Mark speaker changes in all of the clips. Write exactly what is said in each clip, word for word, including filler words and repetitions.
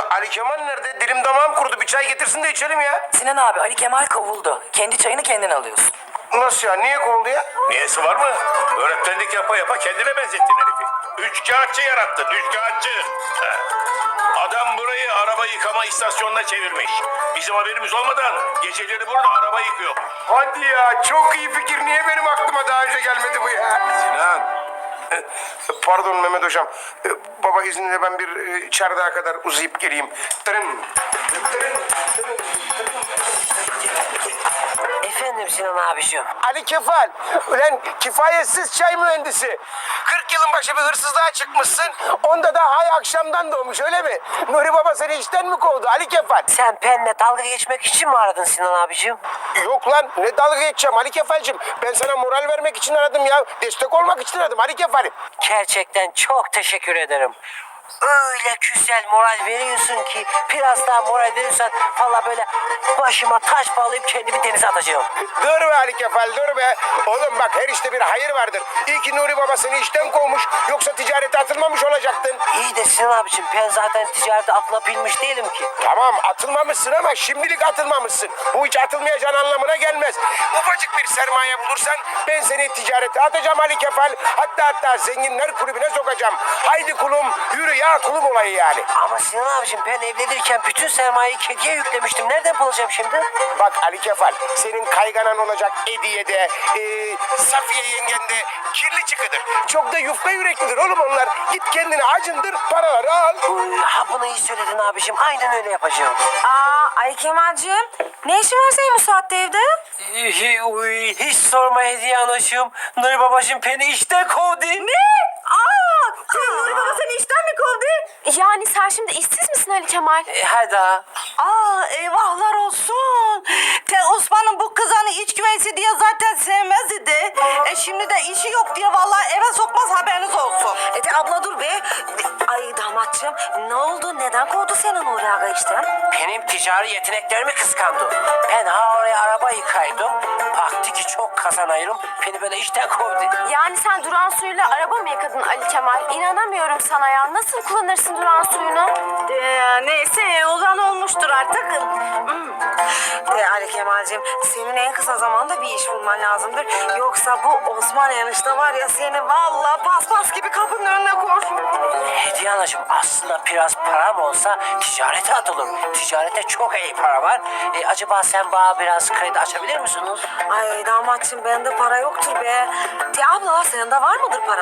Speaker 1: Ali Kemal nerede? Dilim damağım kurudu. Bir çay getirsin de içelim ya.
Speaker 2: Sinan abi, Ali Kemal kovuldu. Kendi çayını kendin alıyorsun.
Speaker 1: Nasıl ya? Niye kovuldu ya?
Speaker 3: Niyesi var mı? Öğretmenlik yapa yapa kendine benzettin herifi. Üç kağıtçı yarattın, üç kağıtçı. He. Adam burayı araba yıkama istasyonuna çevirmiş. Bizim haberimiz olmadan geceleri burada araba yıkıyor.
Speaker 1: Hadi ya. Çok iyi fikir. Niye benim aklıma daha önce gelmedi bu ya?
Speaker 3: Sinan.
Speaker 1: Pardon Mehmet Hocam. Ee, Baba izninle ben bir e, çardağa kadar uzayıp geleyim. Tırın. Tırın.
Speaker 2: Efendim Sinan abiciğim.
Speaker 1: Ali Kefal. Ulan kifayetsiz çay mühendisi. kırk yılın başı bir hırsızlığa çıkmışsın. Onda da ay akşamdan doğmuş öyle mi? Nuri Baba seni işten mi kovdu Ali Kefal?
Speaker 2: Sen benimle dalga geçmek için mi aradın Sinan abiciğim?
Speaker 1: Yok lan ne dalga geçeceğim Ali Kefal'cim. Ben sana moral vermek için aradım ya. Destek olmak için aradım Ali Kefal'im.
Speaker 2: Gerçekten çok teşekkür ederim. Öyle güzel moral veriyorsun ki biraz daha moral verirsen valla böyle başıma taş bağlayıp kendimi denize atacağım.
Speaker 1: Dur be Ali Kefal dur be. Oğlum bak her işte bir hayır vardır. İyi ki Nuri Baba seni işten kovmuş. Yoksa ticarete atılmamış olacaktın.
Speaker 2: İyi de Sinan abiciğim ben zaten ticarete atılabilmiş değilim ki.
Speaker 1: Tamam atılmamışsın ama şimdilik atılmamışsın. Bu hiç atılmayacağın anlamına gelmez. Ufacık bir sermaye bulursan ben seni ticarete atacağım Ali Kefal. Hatta hatta zenginler kulübüne sokacağım. Haydi kulum yürü ya kulüp olayı yani.
Speaker 2: Ama Sinan abiciğim ben evlenirken bütün sermayeyi kediye yüklemiştim. Nereden bulacağım şimdi?
Speaker 1: Bak Ali Kefal senin kayganan olacak Ediye'de, e, Safiye yengende kirli çıkıdır. Çok da yufka yüreklidir oğlum onlar. Git kendine acındır paraları al.
Speaker 2: Uy, ha bunu iyi söyledin abiciğim. Aynen öyle yapacağım.
Speaker 4: Aa, Ali Kemal'cim ne işin var senin bu saatte evde?
Speaker 2: Hi- uy, Hiç sorma Hediye Anacığım. Nuri babacığım beni işten kovdu.
Speaker 4: Ne? Aa, senin Nuri Baba seni işten mi kovdu? Yani sen şimdi işsiz misin Ali Kemal?
Speaker 2: E, hadi ha.
Speaker 5: Aa eyvahlar olsun. Te Osman'ın bu kızanı iç güveysi diye zaten sevmez idi. E şimdi de işi yok diye vallahi eve sokmaz haberiniz olsun.
Speaker 4: E de abla dur be. Ay damatçım ne oldu? Neden kovdu seni Nuri Aga işten?
Speaker 2: Benim ticari yeteneklerimi kıskandı. Ben ha oraya araba yıkaydım. Baktı ki çok kazanıyorum. Beni böyle işten kovdu.
Speaker 4: Yani sen duran suyuyla araba mı yıkadın Ali Kemal? İnanamıyorum sana ya. Nasıl kullanırsın duran suyunu?
Speaker 5: Ee, neyse olan olmuştur artık. Hmm.
Speaker 4: E, Ali Kemal'cim senin en kısa zamanda bir iş bulman lazımdır. Yoksa bu Osman enişte var ya seni vallahi paspas gibi kapının önüne koy.
Speaker 2: Hediye Anacığım aslında biraz param olsa ticarete atılır. Ticarete çok iyi para var. E, acaba sen bana biraz kredi açabilir misiniz?
Speaker 4: Ay damatçım bende para yoktur be. De abla sende var mıdır para?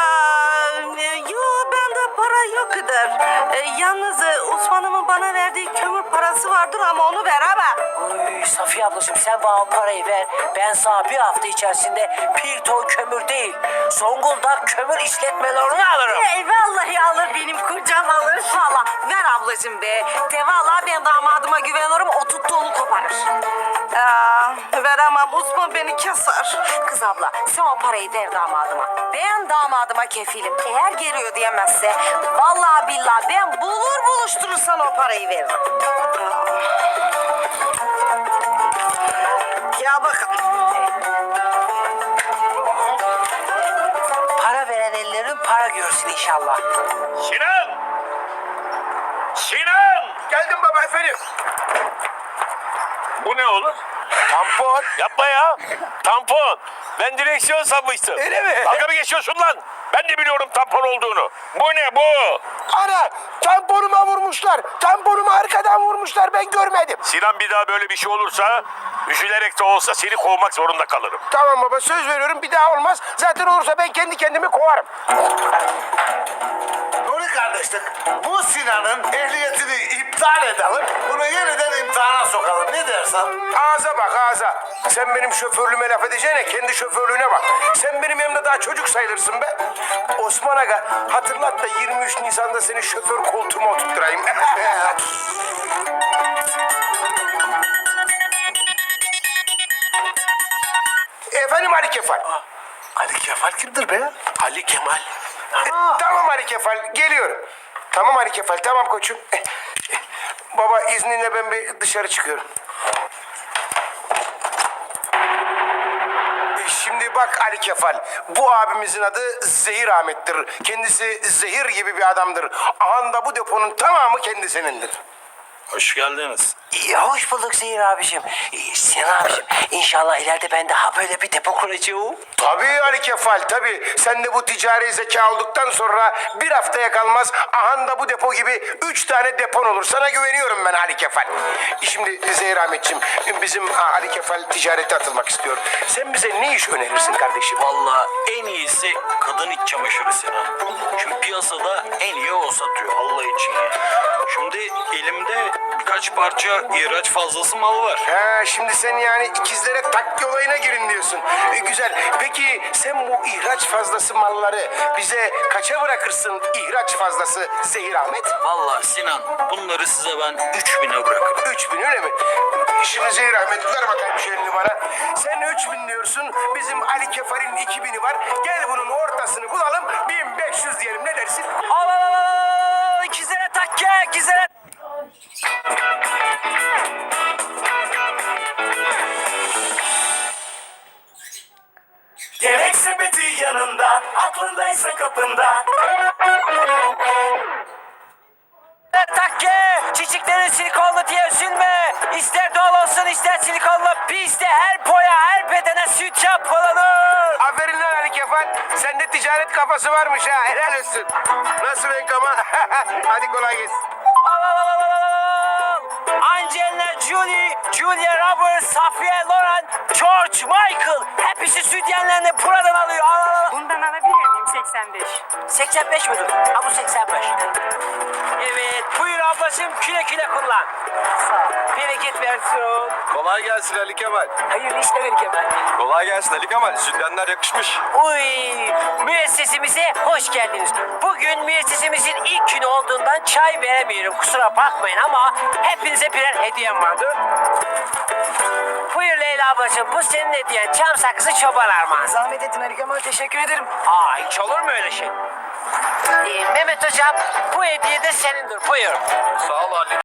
Speaker 5: Ee, yo bende para yoktur. Ee, yalnız e, Osman'ımın bana verdiği kömür parası vardır ama onu veremem.
Speaker 2: Uy, Safiye ablacığım sen bana o parayı ver. Ben sana bir hafta içerisinde bir ton kömür değil, Zonguldak kömür işletmelerini alırım.
Speaker 4: Ey vallahi alır benim kocam alır valla. Ver ablacığım be. De vallahi ben damadıma güveniyorum o tuttuğunu koparır.
Speaker 5: Ee, veremem Osman beni keser.
Speaker 4: Kız abla sen o parayı ver damadıma. Ben damadıma kefilim. Eğer geliyor diyemezse vallahi billahi ben bulur buluşturursan o parayı veririm.
Speaker 5: Ya bakın.
Speaker 2: Para veren ellerin para görsün inşallah.
Speaker 3: Sinan! Sinan!
Speaker 1: Geldim baba efendim.
Speaker 3: Bu ne oğlum?
Speaker 1: Tampon.
Speaker 3: Yapma ya. Tampon. Ben direksiyon sanmıştım.
Speaker 1: Öyle mi?
Speaker 3: Dalga mı geçiyorsun lan? Ben de biliyorum tampon olduğunu. Bu ne bu?
Speaker 1: Ana tamponuma vurmuşlar. Tamponumu arkadan vurmuşlar ben görmedim.
Speaker 3: Sinan bir daha böyle bir şey olursa üzülerek de olsa seni kovmak zorunda kalırım.
Speaker 1: Tamam baba söz veriyorum bir daha olmaz. Zaten olursa ben kendi kendimi kovarım.
Speaker 6: Nuri kardeşlik, bu Sinan'ın ehliyetini iptal edelim. Bunu yeniden imtihana sokalım. Ne dersin?
Speaker 1: Ağza bak ağza. Sen benim şoförlüğüme laf edeceğine kendi şoförlüğüne bak. Sen benim yanımda daha çocuk sayılırsın be. Osman Aga hatırlat da yirmi üç Nisan'da seni şoför koltuğuma oturtturayım. Efendim Ali Kefal.
Speaker 6: Ali Kefal kimdir be?
Speaker 1: Ali Kemal. E, tamam Ali Kefal geliyorum. Tamam Ali Kefal tamam koçum. E, e, baba izninle ben bir dışarı çıkıyorum. E, şimdi Şimdi bak Ali Kefal, bu abimizin adı Zehir Ahmet'tir. Kendisi zehir gibi bir adamdır. Ahanda bu deponun tamamı kendisinindir.
Speaker 7: Hoş geldiniz.
Speaker 2: İyi, hoş bulduk Zehir abicim. İyi, Sinan abicim, inşallah ileride ben daha böyle bir depo kuracağım.
Speaker 1: Tabii Ali Kefal, tabii. Sen de bu ticari zeka olduktan sonra bir haftaya kalmaz ahanda bu depo gibi üç tane depon olur. Sana güveniyorum ben Ali Kefal. Şimdi Zehir Ahmetciğim, bizim Ali Kefal ticarete atılmak istiyor. Sen bize ne iş önerirsin kardeşim?
Speaker 7: Vallahi en iyisi kadın iç çamaşırı Sinan. Çünkü piyasada en iyi o satıyor Allah için ya. Şimdi elimde birkaç parça ihraç fazlası mal var.
Speaker 1: Ha, şimdi sen yani ikizlere takki olayına girin diyorsun. E, güzel. Peki sen bu ihraç fazlası malları bize kaça bırakırsın ihraç fazlası Zehir Ahmet?
Speaker 7: Vallahi Sinan bunları size ben üç bine bırakırım.
Speaker 1: Üç bin öyle mi? Şimdi Zehir Ahmet ver bakayım şu elini bana. Sen üç bin diyorsun. Bizim Ali Kefal'in iki bini var. Gel bunun ortasını bulalım. bin beş yüz diyelim. Ne dersin?
Speaker 2: Al al al al al, ikizlere takke, ikizlere.
Speaker 8: Gerek sepeti yanında, aklındaysa kapında.
Speaker 2: Takke, çiçeklerin silikonlu diye üzülme. İster doğal olsun ister silikonlu. Bizde her boya her bedene süt yapılır.
Speaker 1: Aferin lan Ali Kefal. Sende ticaret kafası varmış ha. Helal olsun. Nasıl Benkama? Hadi kolay gelsin.
Speaker 2: Al al al al al al. Angelina Jolie, Julia Roberts, Safiye Loren, George Michael. Hepsi sütyenlerini buradan alıyor. Al al al.
Speaker 9: Bundan alabilir miyim seksen beş?
Speaker 2: seksen beş müdür? Ha bu seksen beş. Evet buyur ablacığım küle küle kullan. Sağ ol. Bereket versin.
Speaker 10: Kolay gelsin Ali Kemal.
Speaker 2: Hayırlı işler ver Kemal.
Speaker 10: Kolay gelsin Ali Kemal. Sütyenler yakışmış.
Speaker 2: Uy, müessesemize hoş geldiniz. Bugün müessesemizin ilk günü olduğundan çay veremiyorum. Kusura bakmayın ama hepinize birer hediyem vardır. Buyur Leyla ablacığım, bu senin hediyen. Çam sakızı çoban armağanı.
Speaker 4: Zahmet ettin Ali Kemal, teşekkür ederim.
Speaker 2: Aa, hiç olur mu öyle şey? Ee, Mehmet hocam, bu hediye de senindir. Buyur.
Speaker 10: Sağ ol Ali